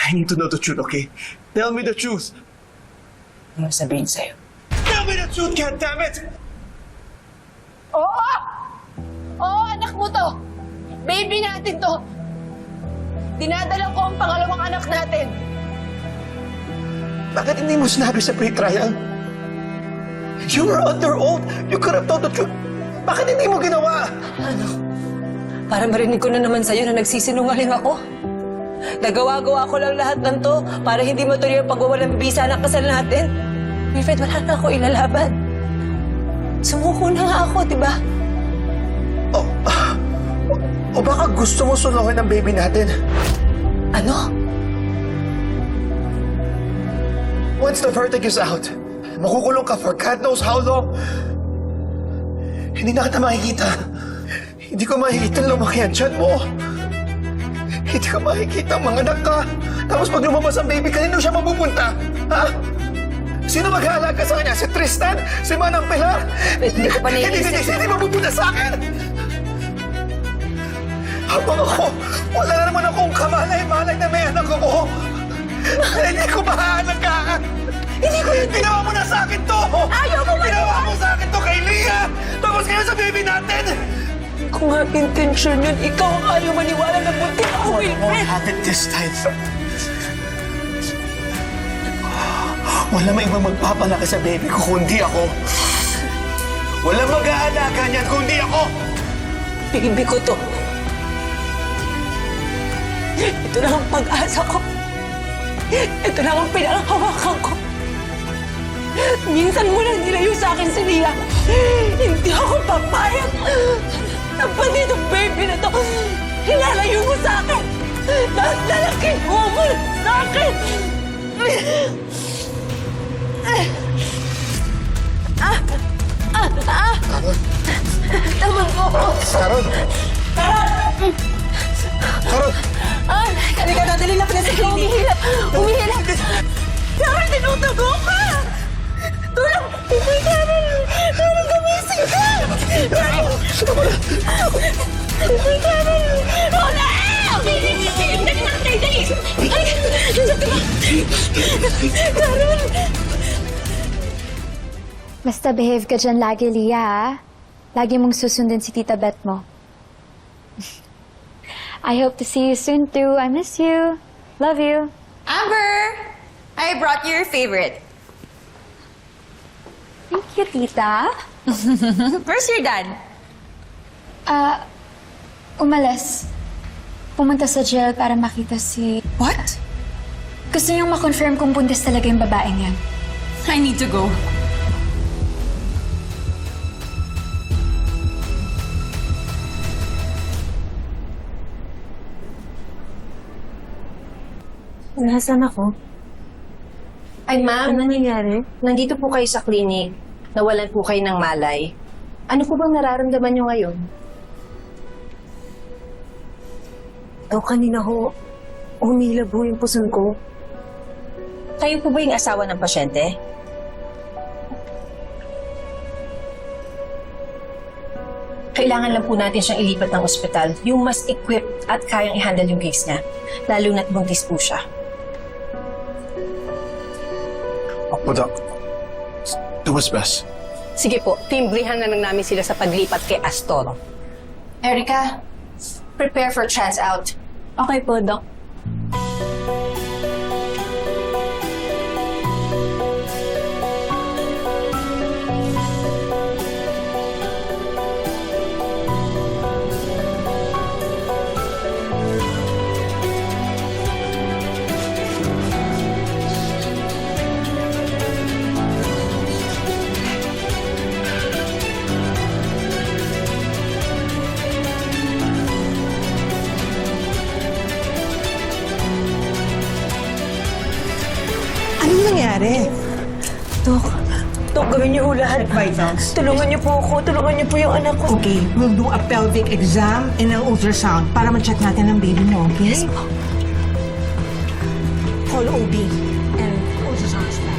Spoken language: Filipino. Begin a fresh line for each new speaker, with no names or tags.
I need to know the truth, okay? Tell me the truth.
Ano sabihin sa'yo?
Tell me the truth, goddammit!
Oo! Oo, anak mo to! Baby natin to! Dinadala ko ang pangalawang anak natin!
Bakit hindi mo sinabi sa pre-trial? You were under oath. You could have told the truth. Bakit hindi mo ginawa?
Para marinig ko na naman sa'yo na nagsisinungaling ako. Nagawa-gawa ko lang lahat ng to para hindi matuloy ang pagwawalang bisa ng kasal natin. Wilfred, wala na ako ilalaban. Sumuko na nga ako, di ba?
O baka gusto mo suluhin ang baby natin?
Ano?
Once the verdict is out, makukulong ka for God knows how long. Hindi na kita makikita. Hindi ko makikita lumaki ang tiyan mo. Hindi ko makikita mga anak ka. Tapos pag lumabas ang baby, kanino siya mapupunta? Ha? Sino mag-aalaga sa kanya? Si Tristan? Si Manang Pilar?
Hindi ko pa naiisip.
Hindi mapupunta sa akin! Habang ako, wala naman akong kamalay-malay na may anak ako. Hindi ko mahaalagaan. Hindi ko yun. Ginawa mo na sa akin to!
Ayaw mo maniwala!
Ginawa mo sa akin to kay Leah! Tapos ngayon sa baby natin!
Kung nga intensyon yun, ikaw ang ayaw maniwala na bunti ako, Wilfred.
Have it this time. Wala may ibang magpapalaki sa baby ko kundi ako. Wala mag-aalaga niyan kundi ako.
Baby ko to. Ito lang ang pag-asa ko. Ito lang ang pinanghawakan ko. Minsan mo lang nilayo sa akin si Leah. Hindi ako papayag. Dapat itong baby na to, hinalayo mo sa akin. Dahil lalaking mo sa akin. Tama mo ako.
Sharon! Sharon!
Halika na, dali na pala sa klinik.
Umihilap! Umihilap! Carol, tinutugo ka! Tulong! Hindi, Carol! Carol, gumising ka! Carol! Hindi, Carol! Oh, no! Dali na, dali! Carol!
Basta behave ka dyan lagi, Leah, ha? Lagi mong susundin si Tita Beth mo. I hope to see you soon, too. I miss you. Love you.
Amber! I brought you your favorite.
Thank you, Tita.
Where's your dad?
Umalis. Pumunta sa jail para makita si...
What?
Gusto niyang makonfirm kung buntis talaga yung babaeng yan.
I need to go.
Nasaan ako?
Ay, ma'am,
Ano nangyayari?
nandito po kayo sa clinic. Nawalan po kayo ng malay. Ano po bang nararamdaman nyo ngayon?
Kanina ho, umilab ho yung puson ko.
Kayo po ba yung asawa ng pasyente? Kailangan lang po natin siyang ilipat ng ospital. Yung mas equipped at kayang i-handle yung case niya. Lalo na't buntis po siya.
Opo, Doc. Do what's best.
Sige po, timbrihan na lang namin sila sa paglipat kay Astor. Erica, prepare for trans-out.
Okay po, Doc.
Anong nangyari? Dok, gawin niyo ho lahat.
Vitals.
Tulungan niyo po ako. Tulungan niyo po yung anak ko.
Okay, we'll do a pelvic exam and an ultrasound para ma-check natin ang baby mo, okay?
Yes po.
Call OB and ultrasound.